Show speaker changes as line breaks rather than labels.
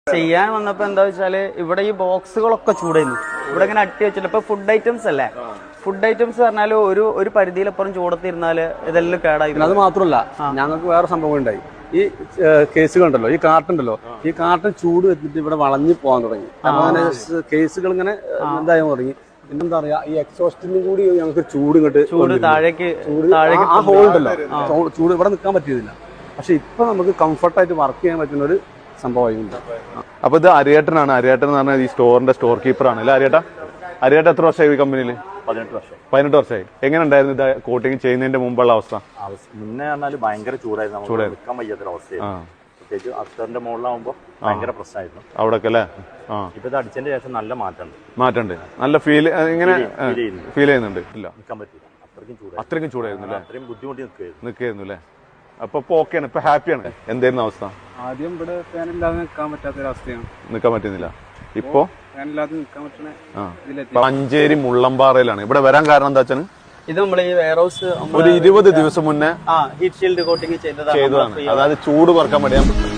ചെയ്യാൻ വന്നപ്പോ എന്താ വെച്ചാല് ഇവിടെ ഈ ബോക്സുകളൊക്കെ ചൂടായിരുന്നു. ഇവിടെ ഇങ്ങനെ അട്ടി വെച്ചിട്ട് ഇപ്പൊ ഫുഡ് ഐറ്റംസ് അല്ലേ, ഫുഡ് ഐറ്റംസ് പറഞ്ഞാൽ ഒരു പരിധിയിലപ്പുറം ചൂടത്തിരുന്നാല് ഇതെല്ലാം കേടായി.
അത് മാത്രമല്ല, ഞങ്ങൾക്ക് വേറെ സംഭവം ഉണ്ടായി. ഈ കേസുകളുണ്ടല്ലോ, ഈ കാർട്ടുണ്ടല്ലോ, ഈ കാർട്ടൺ ചൂട് വെച്ചിട്ട് ഇവിടെ വളഞ്ഞു പോകാൻ തുടങ്ങി. അപ്പൊ അങ്ങനെ കേസുകൾ ഇങ്ങനെ ഇതായി തുടങ്ങി. പിന്നെന്താ പറയാ, ഈ എക്സോസ്റ്റിനും കൂടി ഞങ്ങൾക്ക് ചൂട് ഇങ്ങോട്ട്
താഴേക്ക്
ആ ഹോൾ ഉണ്ടല്ലോ, ചൂട് ഇവിടെ നിൽക്കാൻ പറ്റിയതില്ല. പക്ഷെ ഇപ്പൊ നമുക്ക് കംഫർട്ടായിട്ട് വർക്ക് ചെയ്യാൻ പറ്റുന്ന ഒരു സംഭവമായിട്ടുണ്ട്.
അപ്പൊ ഇത് അരിയേട്ടനാണ്. അരിയേട്ടൻ എന്ന് പറഞ്ഞാൽ ഈ സ്റ്റോറിന്റെ സ്റ്റോർ കീപ്പറാണ് അല്ലേ അരിയേട്ടാ? അരിയേട്ട എത്ര വർഷമായി ഈ കമ്പനിയിൽ? 18 വർഷമായി. എങ്ങനെ ഉണ്ടായിരുന്നു ഇത് കോട്ടിങ് ചെയ്യുന്നതിന്റെ മുമ്പുള്ള അവസ്ഥ?
മുന്നേ പറഞ്ഞാൽ ഭയങ്കര ചൂടായിരുന്നു, നിൽക്കാൻ വയ്യാത്തൊരു അവസ്ഥയായിരുന്നു. പ്രത്യേകിച്ച് അസ്റ്ററിന്റെ മുകളിലാവുമ്പോ ഭയങ്കര പ്രശ്നമായിരുന്നു അവിടെ അല്ലേ. ഇപ്പൊ ഇത് അടിച്ചതിന് ശേഷം നല്ല മാറ്റമുണ്ട്. നല്ല ഫീൽ ഇങ്ങനെ ഫീൽ ചെയ്യുന്നുണ്ട്. ഇല്ല, നിൽക്കാൻ പറ്റില്ല, അത്രയ്ക്കും ചൂടായിരുന്നു അല്ലേ, അത്രയും ബുദ്ധിമുട്ടി നിൽക്കായിരുന്നു അല്ലേ. അപ്പൊ ഓക്കെയാണ്, ഇപ്പൊ ഹാപ്പിയാണ്. എന്തായിരുന്നു അവസ്ഥ?
ആദ്യം ഇവിടെ ഫാനില്ലാതെ നിൽക്കാൻ പറ്റാത്തൊരവസ്ഥയാണ്,
നിൽക്കാൻ പറ്റുന്നില്ല. ഇപ്പൊ
ഫാനില്ലാതെ നിൽക്കാൻ പറ്റണ
മഞ്ചേരി മുള്ളമ്പാറയിലാണ്. ഇവിടെ വരാൻ കാരണം എന്താ വെച്ചാൽ
ഇത് നമ്മൾ ഈ വെയർ ഹൗസ്
ഒരു 20 ദിവസം മുന്നേ
ഹീറ്റ് ഷീൽഡ് കോട്ടിങ് ചെയ്തതാണ്.
അതായത് ചൂട് കുറക്കാൻ വേണ്ടി